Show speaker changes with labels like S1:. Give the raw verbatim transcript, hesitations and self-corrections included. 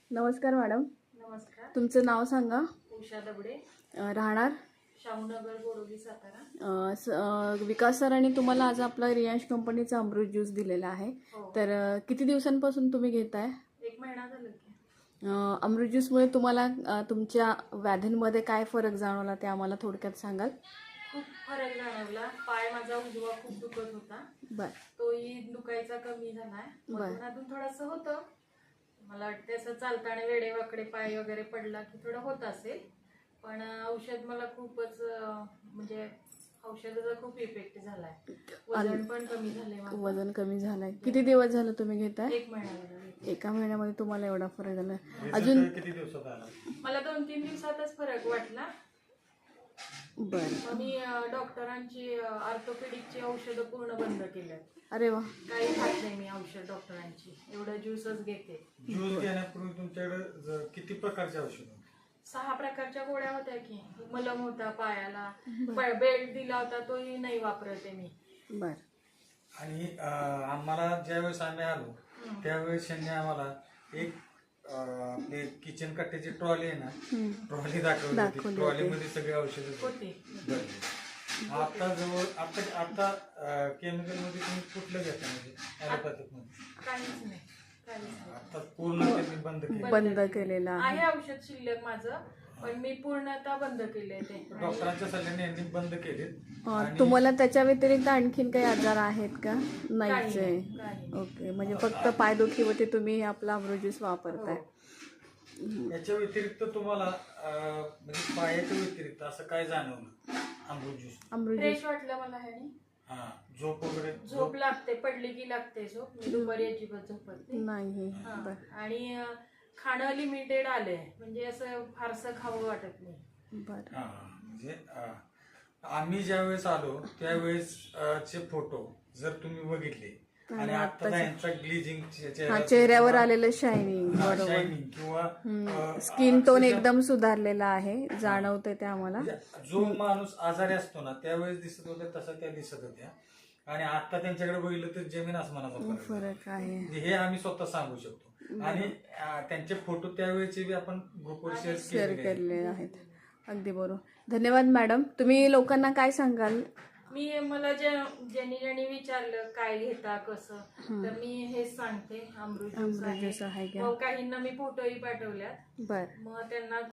S1: नमस्कार मॅडम.
S2: नमस्कार.
S1: तुमचं नाव सांगा.
S2: उषा दबडे,
S1: अ, राहणार
S2: शाहूनगर, बोरोली, सातारा.
S1: अ, स- अ, विकास सरांनी तुम्हाला आज आपला रियांश कंपनीचा अमृत ज्यूस दिलेला आहे.
S2: हो.
S1: तर अ, किती दिवसांपासून तुम्ही घेताय?
S2: एक महिना झाला की.
S1: अ, अमृत ज्यूसमुळे तुम्हाला अ, तुमच्या व्याधींमध्ये काय फरक जाणवला ते आम्हाला थोडक्यात सांगाल?
S2: खूप फरक जाणवला. पाय माझा उजवा खूप दुखत होता,
S1: बर
S2: तोही दुखायचा कमी झालाय.
S1: बर.
S2: मधून अधून थोडंसं होतं. मला वाटतं असं चालताना वेडेवाकडे पाय वगैरे पडला की थोडं होत असेल, पण औषध मला खूपच अं, म्हणजे औषधाचा खूप इफेक्ट झालाय. वजन पण कमी झालंय माझं.
S1: वजन कमी झालंय. किती दिवस झालं तुम्ही घेताय?
S2: एक महिना झाला.
S1: एका महिन्यामध्ये तुम्हाला एवढा फरक झाला?
S3: Result
S1: अजून
S3: किती दिवसात आला?
S2: मला दोन तीन दिवसातच फरक वाटला.
S1: बर.
S2: मग मी अं, डॉक्टरांची ऑर्थोपेडिकची औषधं पूर्ण बंद केल्यात.
S1: अरे वा.
S2: काही खात नाही मी औषध डॉक्टरांची, एवढं ज्यूसच घेते.
S3: ज्यूस घेण्यापूर्वी तुमच्याकडे ज- किती प्रकारचे औषध होते?
S2: सहा प्रकारच्या गोळ्या होत्या की. मलम होता पायाला, बेल्ट दिला होता तोही नाही वापरते मी.
S1: बर.
S3: आणि अं, आम्हाला ज्यावेळेस आम्ही आलो त्यावेळेस त्यांनी आम्हाला एक अं, आपले किचन कट्ट्याची ट्रॉली आहे ना, ट्रॉली दाखवली
S1: दाखवली
S3: होती. ट्रॉलीमध्ये सगळे औषध
S2: होती.
S3: आता जवळ आता आता केमिकल मध्ये तुम्ही कुठलं घेता म्हणजे ॲलोपॅथिक मध्ये?
S2: काहीच नाही, काहीच नाही.
S3: आता पूर्ण त्यांनी बंद केलं.
S1: बंद केलेला आहे.
S2: आहे औषध शिल्लक माझं, पण मी पूर्णतः बंद केलंय ते.
S3: डॉक्टरांच्या सल्ल्याने यांनी बंद केले.
S1: अ, तुम्हाला त्याच्या व्यतिरिक्त आणखीन काही आजार आहेत का? नाहीच
S2: काही
S1: आहे.
S2: नाही, काही नाही.
S1: ओके, म्हणजे फक्त पायदुखीवरती तुम्ही आपला अमृत ज्यूस वापरताय.
S3: याच्या व्यतिरिक्त तुम्हाला अं, म्हणजे पायाच्या व्यतिरिक्त असं काय जाणवलं Amrut juice?
S1: Amrut
S2: fresh
S1: juice
S2: वाटलं मला ह्यानी.
S3: हा, झोप वगैरे
S2: झोप लागते, पडली की लागते झोप. मी दुपारी अजिबात झोपत नाही.
S1: नाही.
S2: हा.
S1: बर.
S2: आणि अं, खाणं लिमिटेड आलंय, म्हणजे असं फारसं खावं वाटत नाही.
S1: बर.
S3: हा, म्हणजे अं, आम्ही ज्यावेळेस आलो त्यावेळेस अं, चे फोटो जर तुम्ही बघितले आणि आता यांचा ग्लिजिंग
S1: हा, चेहऱ्यावर आलेलं शायनिंग. बरोबर.
S3: शायनिंग किंवा अं,
S1: स्किन टोन
S3: अक्षरशः
S1: एकदम सुधारलेला आहे, जाणवतंय ते आम्हाला.
S3: म्हणजे जो माणूस आजारी असतो ना त्यावेळेस दिसत होत्या तसा त्या दिसत होत्या, आणि आता त्यांच्याकडे बघितलं तर जमीन आसमानाचा फरक आहे.
S1: फरक आहे.
S3: म्हणजे हे आम्ही स्वतः सांगू शकतो. आणि अं, त्यांचे फोटो त्यावेळेचे बी आपण ग्रुपवर शेअर
S1: शेअर
S3: केले
S1: केलेले आहेत. अगदी बरोबर. धन्यवाद मॅडम. तुम्ही लोकांना काय सांगाल?
S2: मी मला जे ज्यांनी ज्यांनी विचारलं काय घेता कसं, तर मी हेच सांगते, अमृत ज्यूस
S1: अमृत ज्यूस आहे
S2: आहे.
S1: घ्या.
S2: मग काहींना मी फोटोही पाठवल्यात.
S1: बर.
S2: मग त्यांना